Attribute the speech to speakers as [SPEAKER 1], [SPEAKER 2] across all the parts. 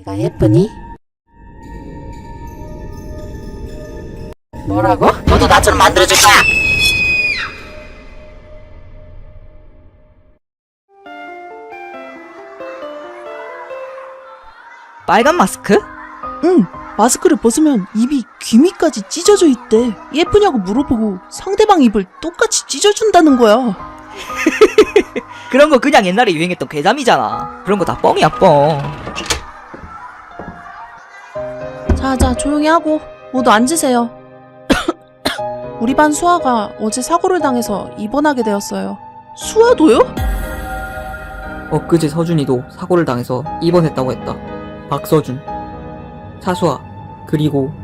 [SPEAKER 1] 내가 예쁘니? 뭐라고? 너도 나처럼 만들어줄 거야!
[SPEAKER 2] 빨간 마스크?
[SPEAKER 3] 응, 마스크를 벗으면 입이 귀밑까지 찢어져 있대. 예쁘냐고 물어보고 상대방 입을 똑같이 찢어준다는 거야.
[SPEAKER 2] 그런 거 그냥 옛날에 유행했던 괴담이잖아. 그런 거 다 뻥이야, 뻥.
[SPEAKER 3] 자, 조용히 하고 모두 앉으세요. 우리 반 수아가 어제 사고를 당해서 입원하게 되었어요. 수아도요?
[SPEAKER 4] 엊그제 서준이도 사고를 당해서 입원했다고 했다. 박서준, 차수아, 그리고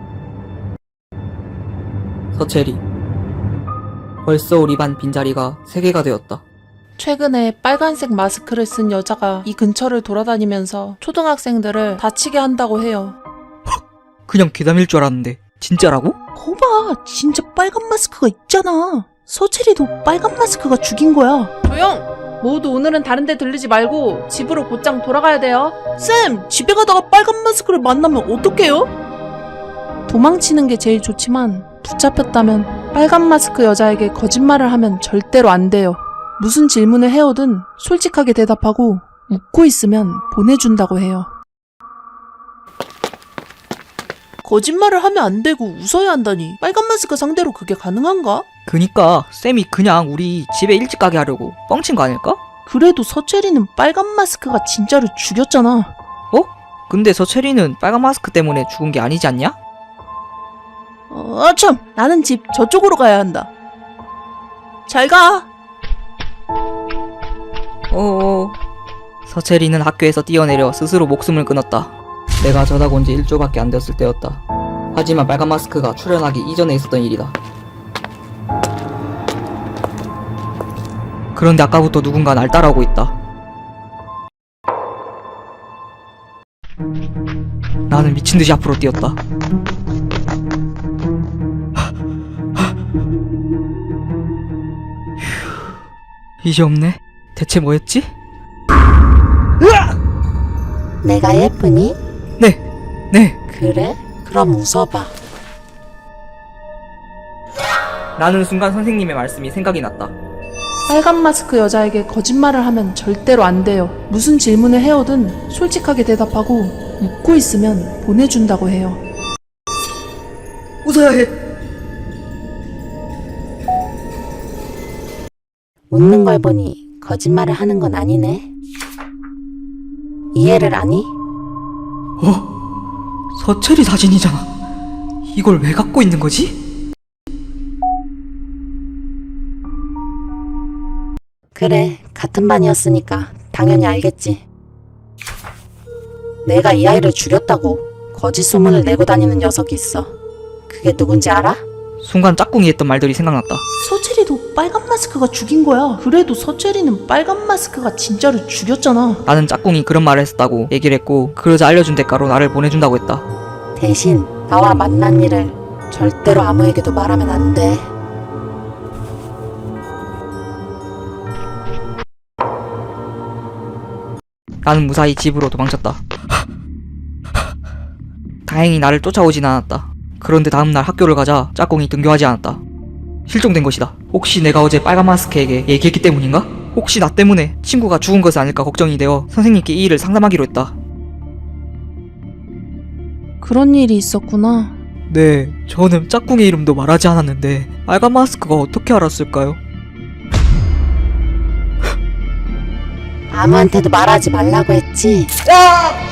[SPEAKER 4] 서채리. 벌써 우리 반 빈자리가 3개가 되었다.
[SPEAKER 3] 최근에 빨간색 마스크를 쓴 여자가 이 근처를 돌아다니면서 초등학생들을 다치게 한다고 해요.
[SPEAKER 2] 그냥 괴담일 줄 알았는데 진짜라고?
[SPEAKER 3] 거봐, 진짜 빨간 마스크가 있잖아. 서채리도 빨간 마스크가 죽인 거야. 조용! 모두 오늘은 다른 데 들르지 말고 집으로 곧장 돌아가야 돼요. 쌤! 집에 가다가 빨간 마스크를 만나면 어떡해요? 도망치는 게 제일 좋지만 붙잡혔다면 빨간 마스크 여자에게 거짓말을 하면 절대로 안 돼요. 무슨 질문을 해오든 솔직하게 대답하고 웃고 있으면 보내준다고 해요. 거짓말을 하면 안 되고 웃어야 한다니 빨간 마스크 상대로 그게 가능한가?
[SPEAKER 2] 그니까 쌤이 그냥 우리 집에 일찍 가게 하려고 뻥친 거 아닐까?
[SPEAKER 3] 그래도 서채리는 빨간 마스크가 진짜로 죽였잖아.
[SPEAKER 2] 근데 서채리는 빨간 마스크 때문에 죽은 게 아니지 않냐?
[SPEAKER 3] 참! 나는 집 저쪽으로 가야 한다. 잘 가!
[SPEAKER 2] 서채리는 학교에서 뛰어내려 스스로 목숨을 끊었다.
[SPEAKER 4] 내가 전학 온 지 1주밖에 안 되었을 때였다. 하지만 빨간 마스크가 출연하기 이전에 있었던 일이다.
[SPEAKER 2] 그런데 아까부터 누군가 날 따라오고 있다. 나는 미친듯이 앞으로 뛰었다. 이제 없네. 대체 뭐였지?
[SPEAKER 1] 내가 예쁘니?
[SPEAKER 2] 네.
[SPEAKER 1] 그래? 그럼 웃어봐.
[SPEAKER 2] 나는 순간 선생님의 말씀이 생각이 났다.
[SPEAKER 3] 빨간 마스크 여자에게 거짓말을 하면 절대로 안 돼요. 무슨 질문을 해오든 솔직하게 대답하고 웃고 있으면 보내준다고 해요.
[SPEAKER 2] 웃어야 해.
[SPEAKER 1] 웃는 걸 보니 거짓말을 하는 건 아니네. 이해를 하니?
[SPEAKER 2] 서채리 사진이잖아. 이걸 왜 갖고 있는 거지?
[SPEAKER 1] 그래, 같은 반이었으니까 당연히 알겠지. 내가 이 아이를 죽였다고 거짓 소문을 내고 다니는 녀석이 있어. 그게 누군지 알아?
[SPEAKER 2] 순간 짝꿍이 했던 말들이 생각났다.
[SPEAKER 3] 서채리도 빨간 마스크가 죽인 거야. 그래도 서채리는 빨간 마스크가 진짜로 죽였잖아.
[SPEAKER 2] 나는 짝꿍이 그런 말을 했다고 얘기를 했고 그러자 알려준 대가로 나를 보내준다고 했다.
[SPEAKER 1] 대신 나와 만난 일을 절대로 아무에게도 말하면 안 돼.
[SPEAKER 2] 나는 무사히 집으로 도망쳤다. 다행히 나를 쫓아오진 않았다. 그런데 다음날 학교를 가자 짝꿍이 등교하지 않았다. 실종된 것이다. 혹시 내가 어제 빨간 마스크에게 얘기했기 때문인가? 혹시 나 때문에 친구가 죽은 것은 아닐까 걱정이 되어 선생님께 이 일을 상담하기로 했다.
[SPEAKER 3] 그런 일이 있었구나.
[SPEAKER 2] 네, 저는 짝꿍의 이름도 말하지 않았는데 빨간 마스크가 어떻게 알았을까요?
[SPEAKER 1] 아무한테도 말하지 말라고 했지.
[SPEAKER 2] 아!